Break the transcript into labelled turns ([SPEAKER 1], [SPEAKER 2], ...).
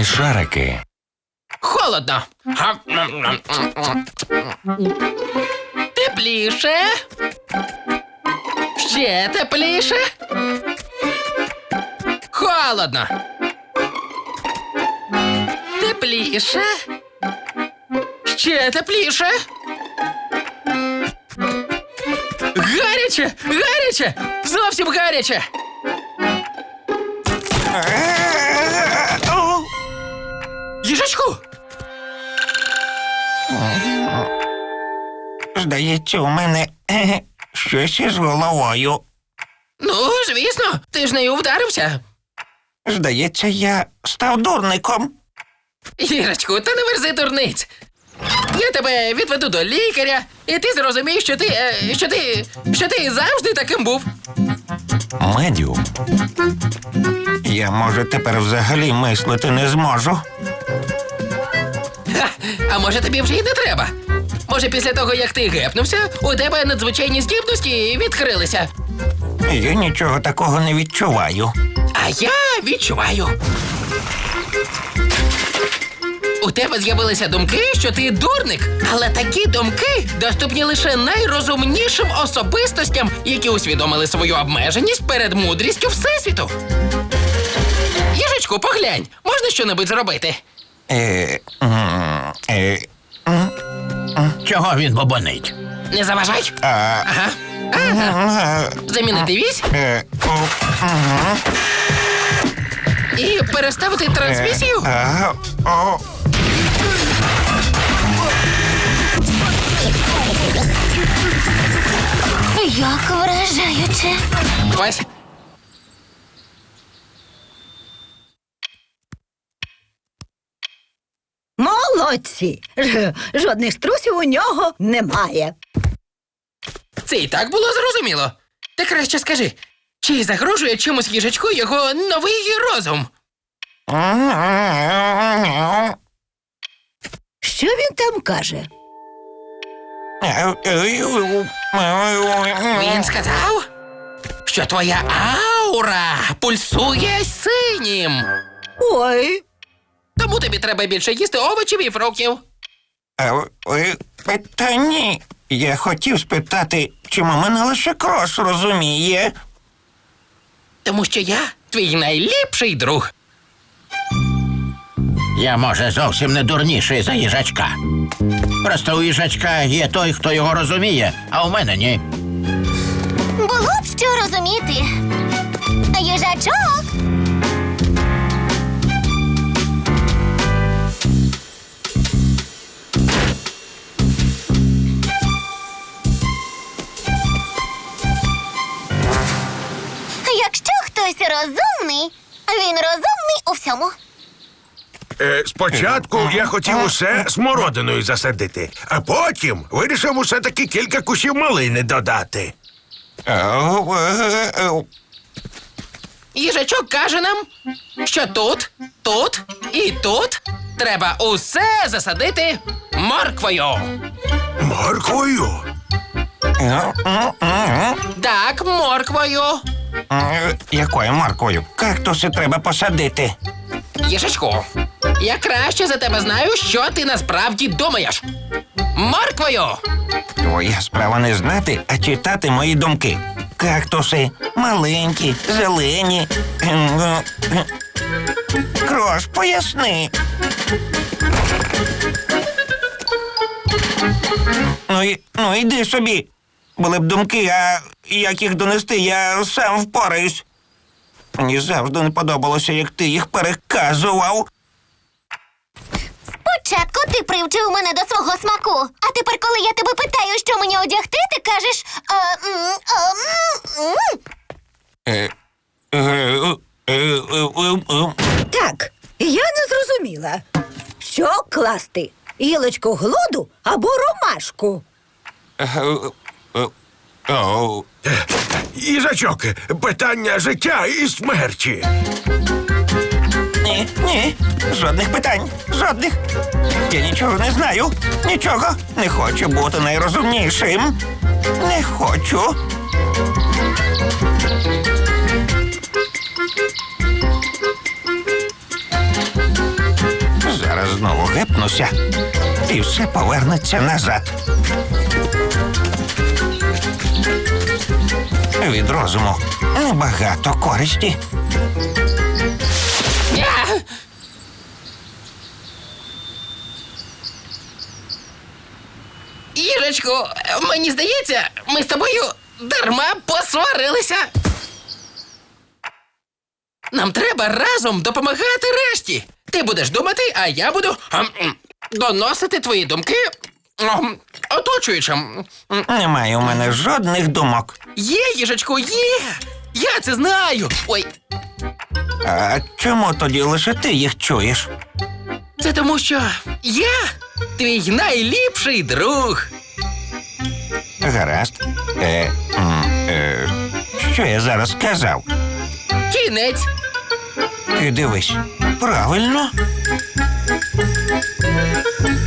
[SPEAKER 1] Смішарики.
[SPEAKER 2] Холодно. Тепліше. Ще тепліше. Холодно. Тепліше. Ще тепліше. Гаряче! Гаряче! Зовсім гаряче! Їжачку!
[SPEAKER 3] Здається, у мене щось із головою.
[SPEAKER 2] Ну, звісно, ти ж нею вдарився.
[SPEAKER 3] Здається, я став дурником.
[SPEAKER 2] Їжачку, та не верзи дурниць. Я тебе відведу до лікаря, і ти зрозумієш, що ти завжди таким був.
[SPEAKER 1] Медіум.
[SPEAKER 3] Я, може, тепер взагалі мислити не зможу.
[SPEAKER 2] Ха, а може тобі вже й не треба? Може після того, як ти гепнувся, у тебе надзвичайні здібності відкрилися?
[SPEAKER 3] Я нічого такого не відчуваю.
[SPEAKER 2] А я відчуваю. У тебе з'явилися думки, що ти дурник, але такі думки доступні лише найрозумнішим особистостям, які усвідомили свою обмеженість перед мудрістю Всесвіту. Їжачку, поглянь, можна щонебудь зробити?
[SPEAKER 4] Чого він бобонить?
[SPEAKER 2] Не заважай. Ага. Замінити вісь і переставити трансмісію.
[SPEAKER 5] Як вражаюче.
[SPEAKER 2] Ось.
[SPEAKER 6] Молодці! Жодних струсів у нього немає.
[SPEAKER 2] Це і так було зрозуміло. Ти краще скажи, чи загрожує чимось їжачку його новий розум?
[SPEAKER 6] Що він там каже?
[SPEAKER 2] Він сказав, що твоя аура пульсує синім.
[SPEAKER 6] Ой,
[SPEAKER 2] Тому тобі треба більше їсти овочів і фруктів.
[SPEAKER 3] Та ні. Я хотів спитати, чому мене лише Крос розуміє.
[SPEAKER 2] Тому що я твій найліпший друг.
[SPEAKER 4] Я, може, зовсім не дурніший за їжачка. Просто у їжачка є той, хто його розуміє, а у мене ні.
[SPEAKER 5] Було б що розуміти. Їжачок. Якщо хтось розумний, він розумний у всьому.
[SPEAKER 7] Спочатку я хотів усе смородиною засадити, а потім вирішив усе-таки кілька кущів малини додати.
[SPEAKER 2] Їжачок каже нам, що тут, тут і тут треба усе засадити морквою.
[SPEAKER 7] Морквою?
[SPEAKER 2] Так, морквою.
[SPEAKER 3] Якою морквою? Кактуси треба посадити.
[SPEAKER 2] Їжачку, я краще за тебе знаю, що ти насправді думаєш. Морквою!
[SPEAKER 3] Твоя справа не знати, а читати мої думки. Кактуси маленькі, зелені. Крос, поясни. Ну, йди собі. Були б думки, а як їх донести, я сам впораюсь. Мені завжди не подобалося, як ти їх переказував.
[SPEAKER 5] Спочатку ти привчив мене до свого смаку, а тепер, коли я тебе питаю, що мені одягти, ти кажеш...
[SPEAKER 6] Так, я не зрозуміла. Що класти? Гілочку глоду або ромашку?
[SPEAKER 7] Їжачок, питання життя і смерті.
[SPEAKER 3] Ні, жодних питань, жодних. Я нічого не знаю, нічого. Не хочу бути найрозумнішим. Не хочу. повернуся. І все повернеться назад. Від розуму небагато користі.
[SPEAKER 2] Я! Їжечку, мені здається, ми з тобою дарма посварилися. Нам треба разом допомагати решті. Ти будеш думати, а я буду доносити твої думки оточуючим.
[SPEAKER 3] Немає у мене жодних думок.
[SPEAKER 2] Є, їжечку, є. Я це знаю. Ой,
[SPEAKER 3] А чому тоді лише ти їх чуєш?
[SPEAKER 2] це тому, що я твій найліпший друг.
[SPEAKER 3] Гаразд. Що я зараз сказав?
[SPEAKER 2] Кінець.
[SPEAKER 3] Ти дивись, правильно?